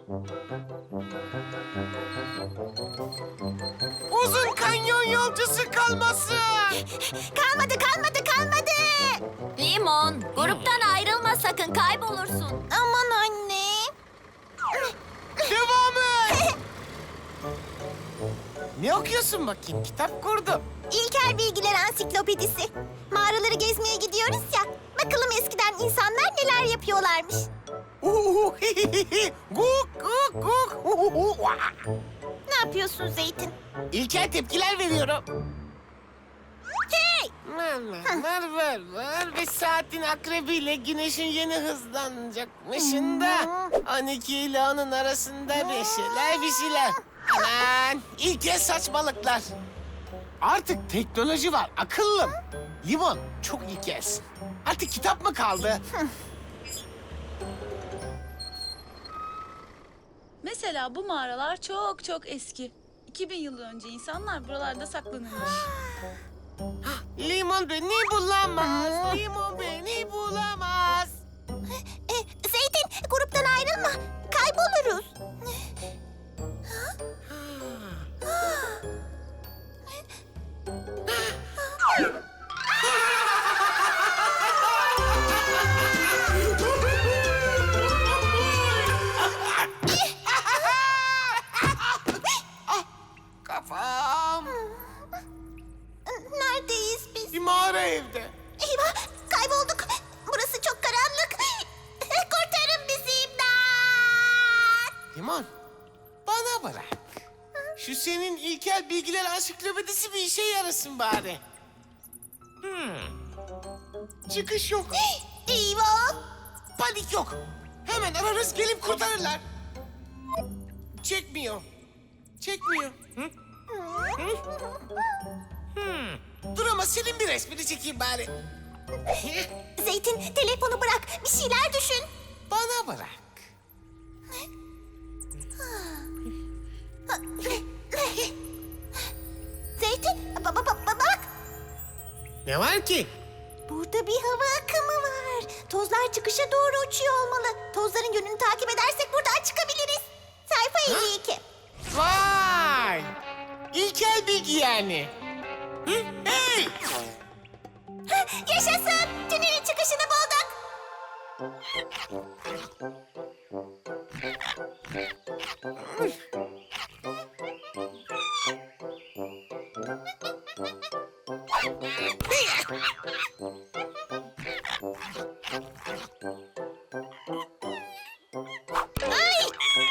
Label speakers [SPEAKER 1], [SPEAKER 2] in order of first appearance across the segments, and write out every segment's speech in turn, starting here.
[SPEAKER 1] Uzun kanyon yolcusu kalmasın.
[SPEAKER 2] Kalmadı.
[SPEAKER 3] Limon, gruptan ayrılma sakın, kaybolursun.
[SPEAKER 2] Aman anne.
[SPEAKER 1] Devam et. Ne okuyorsun bakayım? Kitap kurdum.
[SPEAKER 2] İlkel Bilgiler Ansiklopedisi. Mağaraları gezmeye gidiyoruz ya. Bakalım eskiden insanlar neler yapıyorlarmış.
[SPEAKER 1] Guk guk guk.
[SPEAKER 2] Ne yapıyorsun Zeytin?
[SPEAKER 1] İlkel tepkiler veriyorum.
[SPEAKER 2] Hey!
[SPEAKER 1] Var. 5 saatin akrebiyle güneşin yeni hızlanacakmışında. 12 ile onun arasında bir şeyler. Aman ilkel saçmalıklar. Artık teknoloji var akıllım. Limon çok ilkelsin. Artık kitap mı kaldı?
[SPEAKER 4] Mesela bu mağaralar çok çok eski. 2000 yıl önce insanlar buralarda saklanırmış.
[SPEAKER 1] Limon beni bulamaz. Limon beni bulamaz.
[SPEAKER 2] Zeytin, gruptan ayrılma. Kayboluruz.
[SPEAKER 1] Kafam.
[SPEAKER 2] Neredeyiz biz?
[SPEAKER 1] Bir mağara evde.
[SPEAKER 2] Eyvah, kaybolduk. Burası çok karanlık. Kurtarın bizi, imdat!
[SPEAKER 1] Limon, bana bırak. Şu senin ilkel bilgiler ansiklopedisi bir işe yarasın bari. Çıkış yok.
[SPEAKER 2] Eyvah!
[SPEAKER 1] Panik yok. Hemen ararız gelip kurtarırlar. Çekmiyor. Hı? Dur ama senin bir resmini çekeyim bari.
[SPEAKER 2] Zeytin, telefonu bırak. Bir şeyler düşün.
[SPEAKER 1] Bana bırak.
[SPEAKER 2] Zeytin, bak.
[SPEAKER 1] Ne var ki?
[SPEAKER 2] Burada bir hava akımı var. Tozlar çıkışa doğru uçuyor olmalı. Tozların yönünü takip edersek buradan çıkabiliriz. Sayfa 52.
[SPEAKER 1] Vay! İlkel bilgi yani. Hı? Hey!
[SPEAKER 2] Yaşasın! Tünelin çıkışını bulduk. Ay!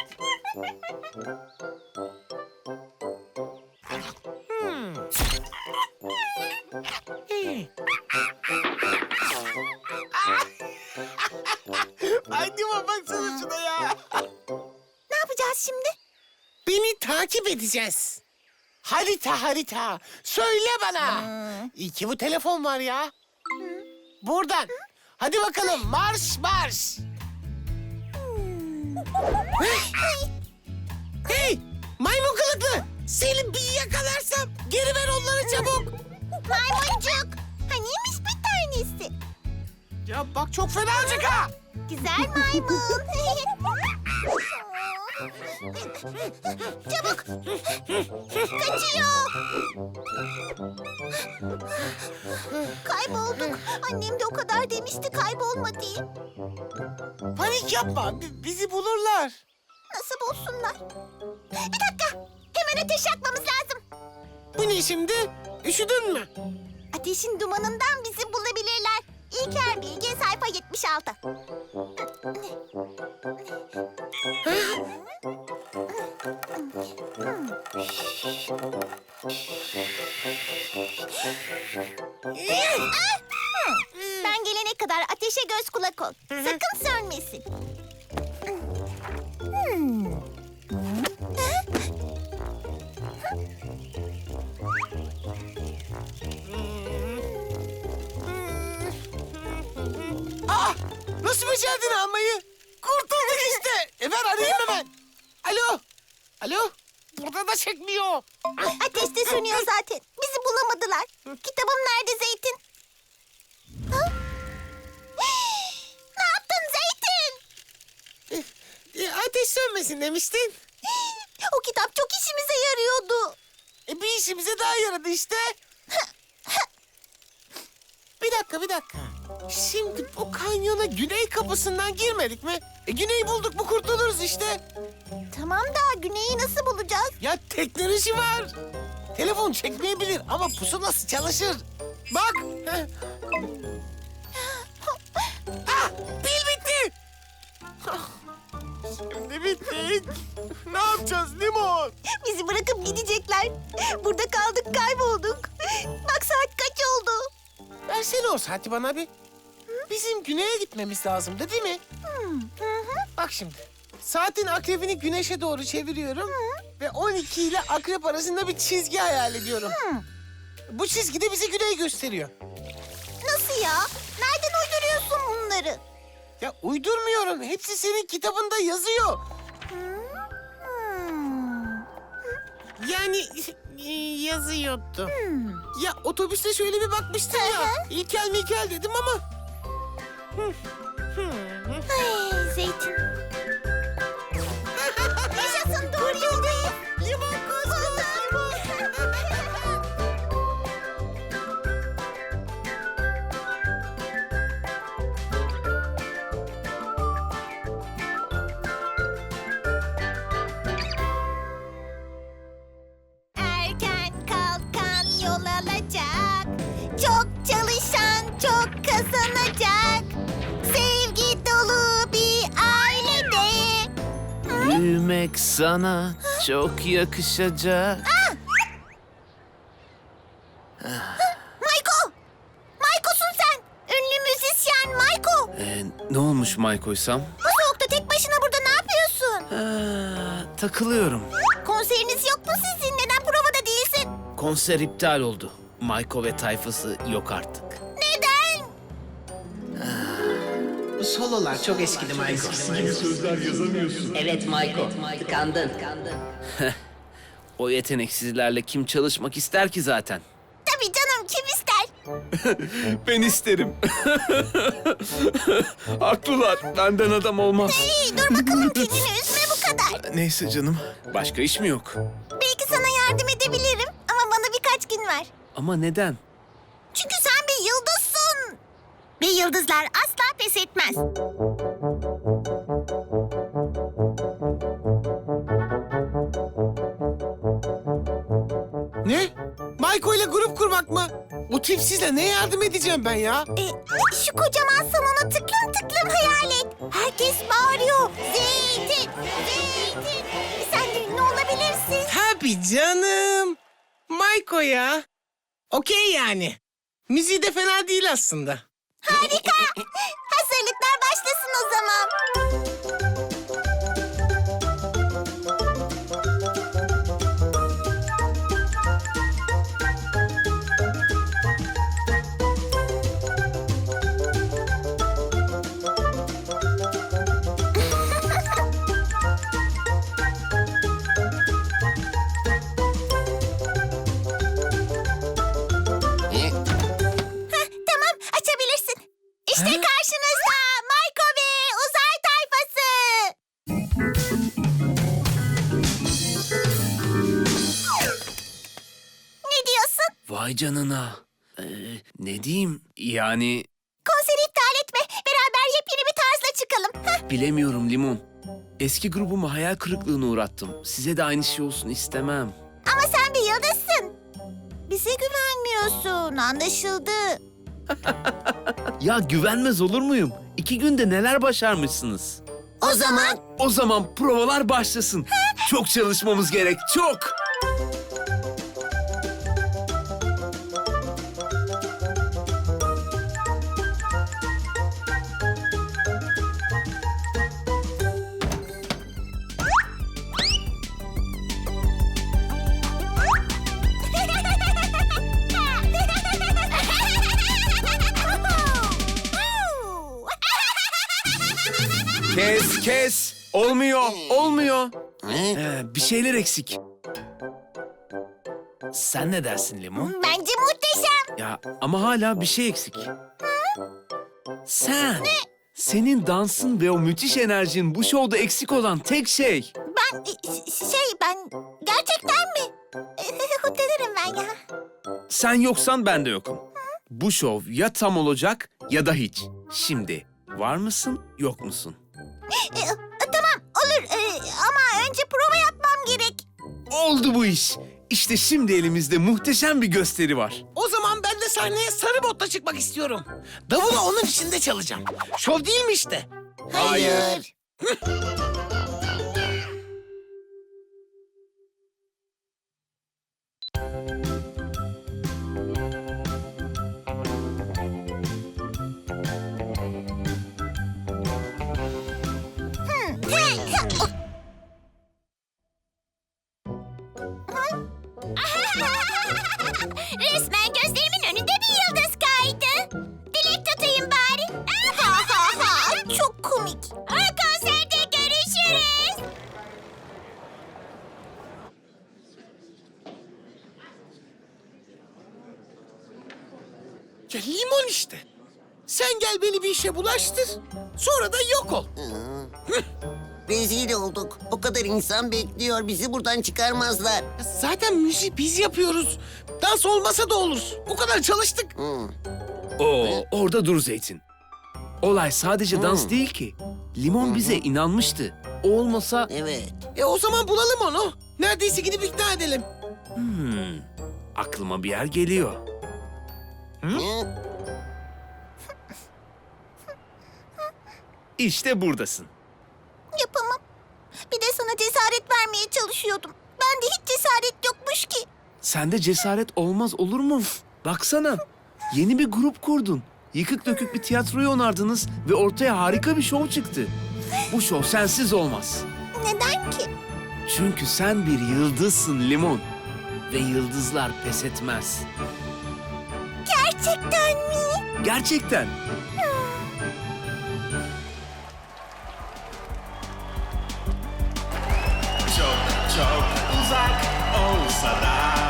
[SPEAKER 1] Hadi baksana şuna ya.
[SPEAKER 2] Ne yapacağız şimdi?
[SPEAKER 1] Beni takip edeceğiz. Harita. Söyle bana. İyi ki bu telefon var ya. Buradan. Hadi bakalım marş. Hey maymun kılıklı. Seni bir yakalarsam geri ver onları çabuk.
[SPEAKER 2] Maymuncuk. Haniymiş bir tanesi?
[SPEAKER 1] Ya bak çok fena olacak ha.
[SPEAKER 2] Güzel maymun. Çabuk. Kaçıyor. Kaybolduk. Annem de o kadar demişti kaybolma diye.
[SPEAKER 1] Panik yapma. Bizi bulurlar.
[SPEAKER 2] Nasıl bulsunlar? Bir dakika. Hemen ateş yakmamız lazım.
[SPEAKER 1] Bu ne şimdi? Üşüdün mü?
[SPEAKER 2] Ateşin dumanından bizi bulabilirler. İlker Bilgi sayfa 76. Ben gelene kadar ateşe göz kulak ol. Sakın sönmesin.
[SPEAKER 1] Nasıl becerdin almayı? Kurtulduk işte. Ben arayayım hemen. Alo. Burada da çekmiyor.
[SPEAKER 2] Ateş de sönüyor zaten. Bizi bulamadılar. Kitabım nerede Zeytin? Ha? Ne yaptın Zeytin?
[SPEAKER 1] Ateş sönmesin demiştin.
[SPEAKER 2] O kitap çok işimize yarıyordu.
[SPEAKER 1] Bir işimize daha yaradı işte. Bir dakika. Şimdi bu kanyona güney kapısından girmedik mi? Güneyi bulduk mu kurtuluruz işte.
[SPEAKER 2] Tamam da güneyi nasıl bulacağız?
[SPEAKER 1] Ya teknoloji var. Telefon çekmeyebilir ama pusulası çalışır. Bak. Pil bitti. Şimdi bittik. Ne yapacağız Limon?
[SPEAKER 2] Bizi bırakıp gidecekler. Burada kaldık, kaybolduk. Bak saat kaç oldu?
[SPEAKER 1] Versene o saati bana bir. Bizim güneye gitmemiz lazımdı değil mi? Bak şimdi. Saatin akrebini güneşe doğru çeviriyorum. Ve 12 ile akrep arasında bir çizgi hayal ediyorum. Bu çizgi de bize güneyi gösteriyor.
[SPEAKER 2] Nasıl ya? Nereden uyduruyorsun bunları?
[SPEAKER 1] Ya uydurmuyorum. Hepsi senin kitabında yazıyor. Yani yazıyordu. Ya otobüste şöyle bir bakmıştım ya. İlkel mikel dedim ama.
[SPEAKER 2] Ay, Zeytin. Yaşasın, doğru yoldayız.
[SPEAKER 1] Limon koş
[SPEAKER 2] Erken kalkan yol alacak. Çok çalışan çok kazanacak. Sevgi dolu bir ailede.
[SPEAKER 5] Büyümek sana çok yakışacak.
[SPEAKER 2] Mayko! Mayko'sun sen. Ünlü müzisyen Mayko.
[SPEAKER 5] Ne olmuş Mayko'ysam?
[SPEAKER 2] Bu soğukta tek başına burada ne yapıyorsun?
[SPEAKER 5] Takılıyorum.
[SPEAKER 2] Konseriniz yok mu sizin? Neden provada değilsin?
[SPEAKER 5] Konser iptal oldu. Mayko ve tayfası yok artık.
[SPEAKER 2] Neden?
[SPEAKER 6] Bu sololar çok eskidi Michael.
[SPEAKER 7] Evet Mayko, tıkandın.
[SPEAKER 5] O yeteneksizlerle kim çalışmak ister ki zaten?
[SPEAKER 2] Tabii canım, kim ister?
[SPEAKER 5] Ben isterim. Haklılar. Benden adam olmaz.
[SPEAKER 2] İyi, dur bakalım, kendini üzme bu kadar.
[SPEAKER 5] Neyse canım. Başka iş mi yok?
[SPEAKER 2] Belki sana yardım edebilirim ama bana birkaç gün ver.
[SPEAKER 5] Ama neden?
[SPEAKER 2] Çünkü sen bir yıldızsın. Ve yıldızlar asla pes etmez.
[SPEAKER 1] Ne? Mayko ile grup kurmak mı? O tipsizle ne yardım edeceğim ben ya?
[SPEAKER 2] Şu kocaman salonu tıklım tıklım hayal et. Herkes bağırıyor. Zeytin, zeytin. Sen de ünlü olabilirsin.
[SPEAKER 1] Tabii canım. Mayko ya. Okey yani. Müziği de fena değil aslında.
[SPEAKER 2] Harika. Hazırlıklar başlasın o zaman. Tamam, açabilirsin. İşte karşınızda Mayko ve Uzay Tayfası. Ne diyorsun?
[SPEAKER 5] Vay canına. Ne diyeyim? Yani
[SPEAKER 2] Konseri iptal etme. Beraber yepyeni bir tarzla çıkalım.
[SPEAKER 5] bilemiyorum Limon. Eski grubumu hayal kırıklığına uğrattım. Size de aynı şey olsun istemem.
[SPEAKER 2] Ama sen bir yıldızsın. Bize güvenmiyorsun, anlaşıldı.
[SPEAKER 5] Ya güvenmez olur muyum? 2 günde neler başarmışsınız?
[SPEAKER 2] O zaman
[SPEAKER 5] O zaman provalar başlasın. Çok çalışmamız gerek, çok. Kes. Olmuyor. Bir şeyler eksik. Sen ne dersin Limon?
[SPEAKER 2] Bence muhteşem.
[SPEAKER 5] Ya ama hala bir şey eksik. Sen. Senin dansın ve o müthiş enerjin bu şovda eksik olan tek şey.
[SPEAKER 2] Ben gerçekten mi? Utanırım ben ya.
[SPEAKER 5] Sen yoksan ben de yokum. Bu şov ya tam olacak ya da hiç. Şimdi var mısın, yok musun?
[SPEAKER 2] Tamam olur ama önce prova yapmam gerek.
[SPEAKER 5] Oldu bu iş. İşte şimdi elimizde muhteşem bir gösteri var.
[SPEAKER 1] O zaman ben de sahneye sarı botla çıkmak istiyorum. Davulu onun içinde çalacağım. Şov değil mi işte?
[SPEAKER 2] Hayır.
[SPEAKER 3] Resmen gözlerimin önünde bir yıldız kaydı. Dilek tutayım bari.
[SPEAKER 2] Çok komik.
[SPEAKER 3] Konserde görüşürüz.
[SPEAKER 1] Ya limon işte. Sen gel beni bir işe bulaştır. Sonra da yok ol.
[SPEAKER 8] Rezil olduk. O kadar insan bekliyor. Bizi buradan çıkarmazlar.
[SPEAKER 1] Ya zaten müziği biz yapıyoruz. Dans olmasa da olur. O kadar çalıştık.
[SPEAKER 5] Oo, orada dur Zeytin. Olay sadece dans değil ki. Limon bize inanmıştı. O olmasa...
[SPEAKER 8] Evet.
[SPEAKER 1] O zaman bulalım onu. Neredeyse gidip ikna edelim.
[SPEAKER 5] Aklıma bir yer geliyor.
[SPEAKER 8] Hı?
[SPEAKER 5] İşte buradasın.
[SPEAKER 2] Yapamam. Bir de sana cesaret vermeye çalışıyordum. Bende hiç cesaret yokmuş ki.
[SPEAKER 5] Sende cesaret olmaz olur mu? Baksana. Yeni bir grup kurdun. Yıkık dökük bir tiyatroyu onardınız ve ortaya harika bir şov çıktı. Bu şov sensiz olmaz.
[SPEAKER 2] Neden ki?
[SPEAKER 5] Çünkü sen bir yıldızsın Limon. Ve yıldızlar pes etmez.
[SPEAKER 2] Gerçekten mi?
[SPEAKER 5] Gerçekten.
[SPEAKER 9] Çok çok uzak olsa da